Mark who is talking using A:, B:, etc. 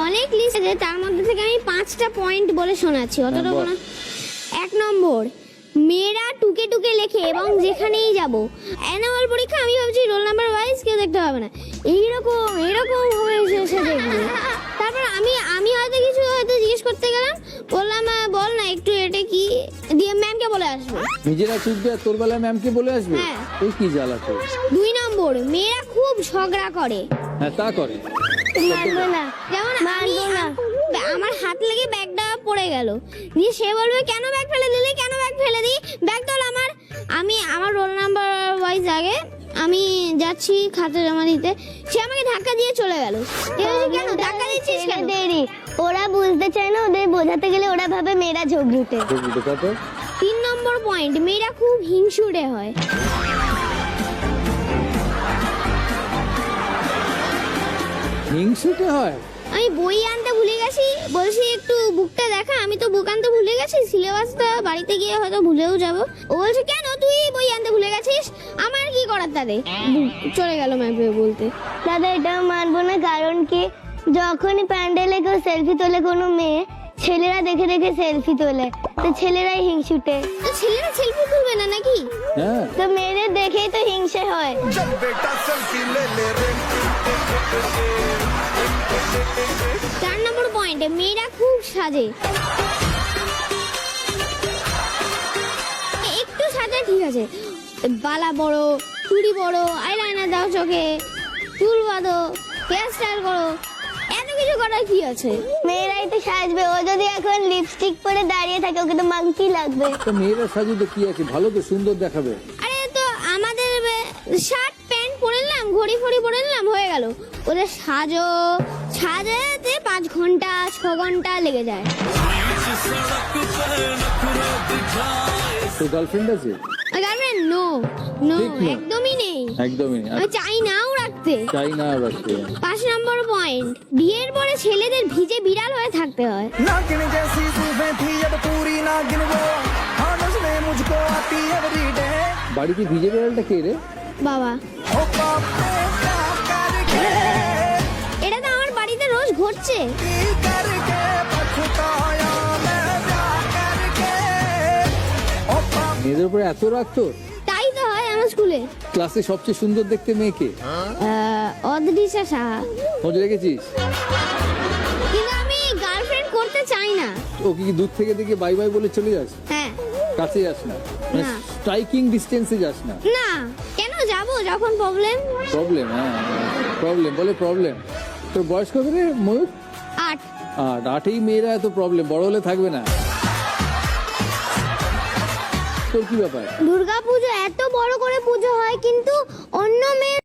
A: অনেক লিস্ট আছে, তার মধ্যে থেকে আমি 5টা পয়েন্ট বলে শোনাচ্ছি, অতটা বলা। 1 নম্বর, মেয়েরা টুকে টুকে লেখে এবং যেখানেই যাব। অ্যানুয়াল পরীক্ষা আমি ভাবছি রোল নাম্বার ওয়াইজ কেউ দেখতে হবে না, এইরকম হয়েছে দেখবে। তারপর আমি হয়তো কিছু জিজ্ঞেস করতে গেলাম, বললাম বল না একটু এটা কি, দিয়ে ম্যামকে বলে আসবে।
B: নিজেরা চুপবে আর তোর বেলায় ম্যামকে বলে আসবে?
A: হ্যাঁ।
B: এই কি জ্বালা তোর।
A: 2 নম্বর, মেয়েরা খুব ঝগড়া করে।
B: হ্যাঁ তা করে।
A: মানবো না, যেমন আমার হাত লেগে ব্যাগটা পড়ে গেল, দিয়ে সে বলবে কেন ব্যাগ ফেলে দিলি, কেন ব্যাগ ফেলে দিই, ব্যাগ তোল আমার। আমার রোল নাম্বার ওয়াইজ আগে আমি যাচ্ছি খাতা জমা দিতে, সে আমাকে ধাক্কা দিয়ে চলে গেল। কেন ধাক্কা দিচ্ছিস কেন?
C: দেরি, ওরা বুঝতে চায় না, ওদের বোঝাতে গেলে ওরা ভাবে মেয়েরা ঝগড়ুটে।
A: 3 নম্বর পয়েন্ট, মেয়েরা খুব হিংসুটে হয়।
B: হিংসুটে হয়?
A: আমি বই আনতে ভুলে গেছি, বলছি একটু বুকটা দেখা, আমি তো বুক আনতে ভুলে গেছি, সিলেবাসটা বাড়িতে গিয়ে হয়তো ভুলেও যাব। ও বলছে কেন তুই বই আনতে ভুলে গেছিস, আমার কি করার তাতে, চলে গেল ম্যাপে বলতে।
C: দাদা এটাও মানবো না, কারণ কি যখনই প্যান্ডেলে কেউ সেলফি তোলে কোনো মেয়ে, ছেলেরা দেখে দেখে সেলফি তোলে, তো ছেলেরাই হিংসুটে।
A: তো ছেলেরা সেলফি তুলবে না নাকি?
B: হ্যাঁ।
C: তো মেয়েদের দেখেই তো হিংসে হয়।
A: 4 নম্বর পয়েন্ট, মেয়েরা খুব সাজে। একটু সাজে ঠিক আছে, বালা বড়, চুড়ি বড়, আইলাইনার দাও চোখে, চুল বাঁধো, হেয়ার স্টাইল করো, এত কিছু করার কি আছে?
C: মেয়েরাই তো সাজবে, ও যদি এখন লিপস্টিক পরে দাঁড়িয়ে থাকে ওকে তো মাংকি লাগবে।
B: তো মেয়েরা সাজুতে কি আছে, ভালো তো সুন্দর দেখাবে।
A: আরে তো আমাদের শার্ট প্যান্ট পরে নিলাম, ঘড়ি ফড়ি পরে নিলাম, হয়ে গেল। ওদের সাজাতে 5 ঘন্টা 6 ঘন্টা লেগে যায়।
B: তো গার্লফ্রেন্ড আছে?
A: গার্লফ্রেন্ড নো,
B: ঠিক না।
A: একদমই নেই,
B: একদমই না।
A: আমি চাই নাও রাখতে।
B: চাই না রাখতে।
A: 5 নম্বর পয়েন্ট, বিয়ের পরে ছেলেদের ভিজে বিড়াল হয়ে থাকতে হয়।
D: नागिन जैसी जुल्फें थी अब पूरी नागिन वो हाँ नज़रें मुझको आती एवरीडे
B: বাড়িতে ভিজে বেড়ালটা কে রে?
A: বাবা,
D: ओ पाप ने क्या करके
A: এটা তো আমার বাড়িতে রোজ ঘটছে।
D: की करके पछताया मैं क्या करके ओ पाप
B: মেয়েদের উপরে এত রাগ তোর?
A: তাই তো হয় আমার স্কুলে।
B: ক্লাসে সবচেয়ে সুন্দর দেখতে মেয়েকে
A: অদৃশ্যা সাহা,
B: খোঁজ রেখেছিস?
A: কিন্তু আমি গার্লফ্রেন্ড করতে চাই না।
B: ও কি দূর থেকে দেখে বাই বাই বলে চলে যাস?
A: হ্যাঁ।
B: কাছে যাস না,
A: না।
B: স্ট্রাইকিং ডিস্টেন্সে যাস না?
A: না, কেন যাব যখন প্রবলেম?
B: প্রবলেম? হ্যাঁ প্রবলেম বলে প্রবলেম। তোর বয়স কত রে ময়ূর?
A: 8।
B: আর 8এই মেয়েরা এত প্রবলেম, বড় হলে থাকবে না। তোর কি ব্যাপার?
A: দুর্গা পুজো এত বড় করে পুজো হয়, কিন্তু অন্য মেয়ে